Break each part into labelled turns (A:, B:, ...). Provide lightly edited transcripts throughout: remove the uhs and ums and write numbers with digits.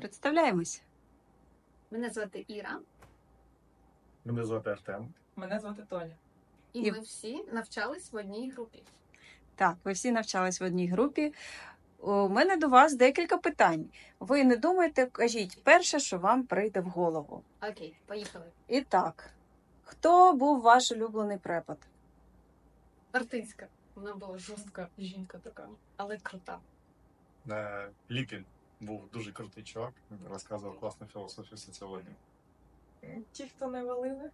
A: Представляємось.
B: Мене звати Іра,
C: Мене звати Артем.
D: Мене звати Тоня.
B: і ми всі навчались в одній групі.
A: Так, ви всі навчались в одній групі. У мене до вас декілька питань. Ви не думайте, кажіть перше, що вам прийде в голову.
B: Окей, поїхали.
A: І так, хто був ваш улюблений препод?
B: Артистка. Вона була жорстка жінка така, але крута.
C: Ліпін був дуже крутий чувак, розказував класну філософію соціології.
D: Ті, хто не валили.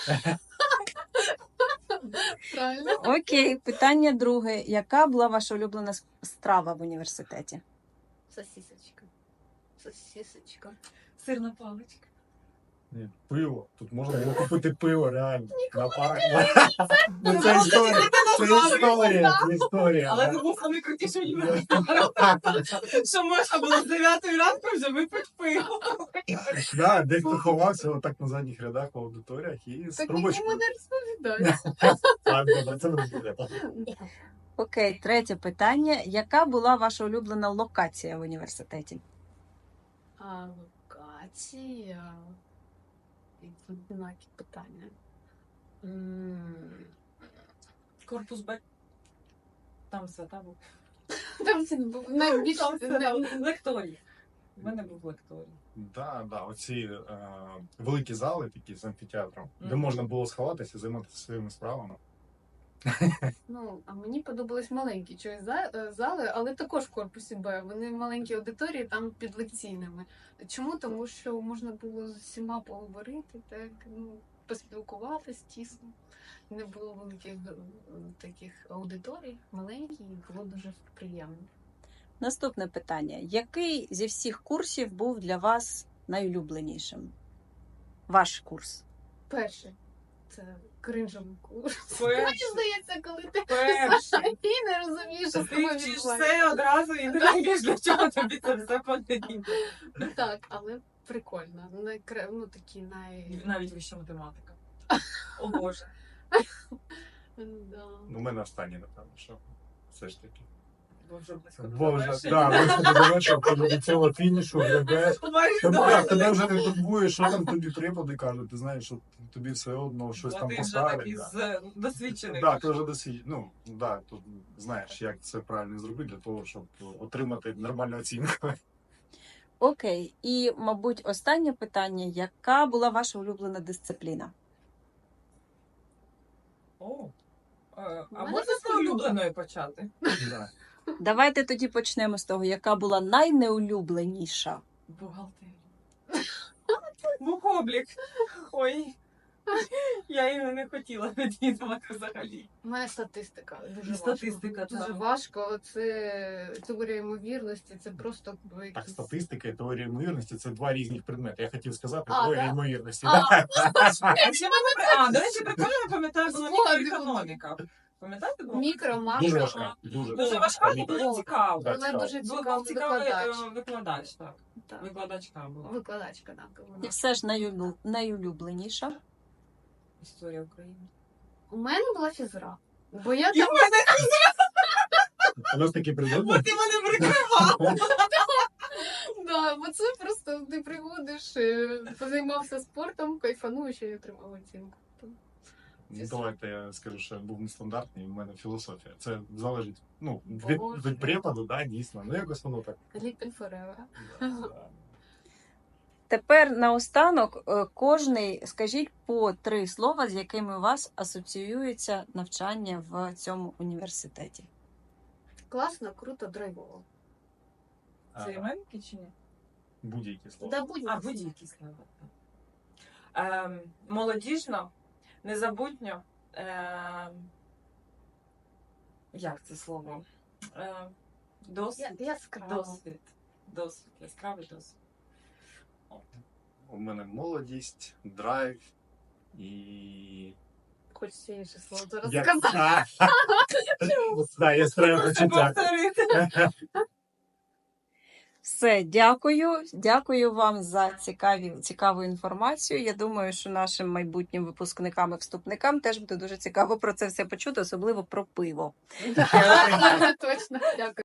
B: Правильно?
A: Окей, питання друге. Яка була ваша улюблена страва в університеті?
B: Сосісочка. Сосісочка.
D: Сирна паличка.
C: Ні, пиво. Тут можна було купити пиво, реально. На парах. Ну, це історія. Це історія.
D: Але це був найкрутіший університет. Що можна було з 9 ранку вже випити пиво.
C: Да, дехто ховався отак на задніх рядах в аудиторіях і з
B: Так
C: трубочкою.
B: нікому не розповідай.
C: Так, добре, це не буде.
A: Окей, третє питання. Яка була ваша улюблена локація в університеті?
B: А локація. Однакі питання.
D: Корпус Б. Там свята був.
B: Там це був найбільш...
D: Там свята був. Лекторій. У мене був лекторій.
C: Да, оці великі зали, такі з амфітеатром, де
D: Мгм.
C: можна було сховатися, займатися своїми справами.
B: Ну, а мені подобались маленькі чогось зали, але також в корпусі Б. Вони маленькі аудиторії, там під лекційними. Чому? Тому що можна було з усіма поговорити, так, поспілкуватись тісно. Не було великих таких аудиторій, маленькі, і було дуже приємно.
A: Наступне питання. Який зі всіх курсів був для вас найулюбленішим? Ваш курс.
B: Перше, це кринжовий курс.
D: Перше.
B: Мені здається, коли ти
D: Перший.
B: і не розумієш, що з
D: Ти
B: тобою
D: вчиш
B: відбувається.
D: все одразу і не розумієш, для чого тобі це все потрібно.
B: Так, але прикольно. Ну, такі
D: Навіть вища математика. О Боже.
B: Да.
C: Ну, у мене останнє, напевно, що все ж таки.
D: Бо вже близько до
C: Боже,
D: завершення.
C: да, близько до завершення, до цього фінішу, глядаєш.
D: Майже
C: Тебе,
D: добре.
C: тебе вже не турбує, що там тобі преподи кажуть, ти знаєш, що тобі все одно щось
D: Бо
C: там
D: ти вже
C: поставлять.
D: такий
C: Да.
D: досвідчений.
C: Да, ти вже досі, ну, да, тут знаєш, як це правильно зробити для того, щоб отримати нормальну оцінку.
A: Окей. І, мабуть, останнє питання. Яка була ваша улюблена дисципліна?
D: О. А
B: мене
D: можна з улюбленої почати?
C: Да.
A: Давайте тоді почнемо з того, яка була найнеулюбленіша.
D: Бухгалтерія. Бухоблік. Ой. Я її не хотіла відвідувати взагалі.
B: У мене статистика. Дуже
D: Статистика,
B: важко. Дуже
D: так.
B: важко. Це теорія ймовірності, це просто
C: Так,
B: якісь...
C: статистика і теорія ймовірності це два різних предмети. Я хотів сказати
B: А,
C: теорія
B: да?
C: ймовірності.
D: До речі, прикольно не пам'ятаю, була мікроекономіка. Пам'ятаєте? було?
B: Мікро, макро.
C: Дуже важка.
D: Дуже важка, але було цікаво.
C: Да,
B: Вона дуже
D: Був
B: цікавий
D: цікавий
B: викладач.
D: викладач, так.
B: Так.
D: Викладачка була.
B: Викладачка, так.
A: І
B: Вона.
A: все ж найулюбленіша.
D: Історія України.
B: У мене була фізра. Бо я
D: І в мене,
C: У нас такі предмети.
D: бо ти мене прикривав.
B: Да, бо це просто ти приходиш, позаймався спортом, кайфануєш і отримав оцінку.
C: Ну, давайте я скажу, що я був нестандартний, і в мене філософія. Це залежить, ну, від
B: Боже.
C: препаду, да, дійсно. Ну, якось воно так.
B: Ліпін forever.
C: Да.
A: Тепер наостанок кожний скажіть по 3 слова, з якими у вас асоціюється навчання в цьому університеті.
B: Класно, круто, драйвово.
D: Це іменники чи ні?
C: Будь-які слова.
B: Да, будь
D: А, будь-які слова. Молодіжно, незабутньо. Як це слово? Досвід.
B: Яскраво.
D: Досвід. Досвід. Яскравий досвід.
C: У мене молодість, драйв і...
B: Хочеться інше слово зараз
C: Я...
B: сказати.
C: Да, яскраве почуття.
A: Все, дякую. Дякую вам за цікаву інформацію. Я думаю, що нашим майбутнім випускникам і вступникам теж буде дуже цікаво про це все почути, особливо про пиво.
B: Точно, дякую.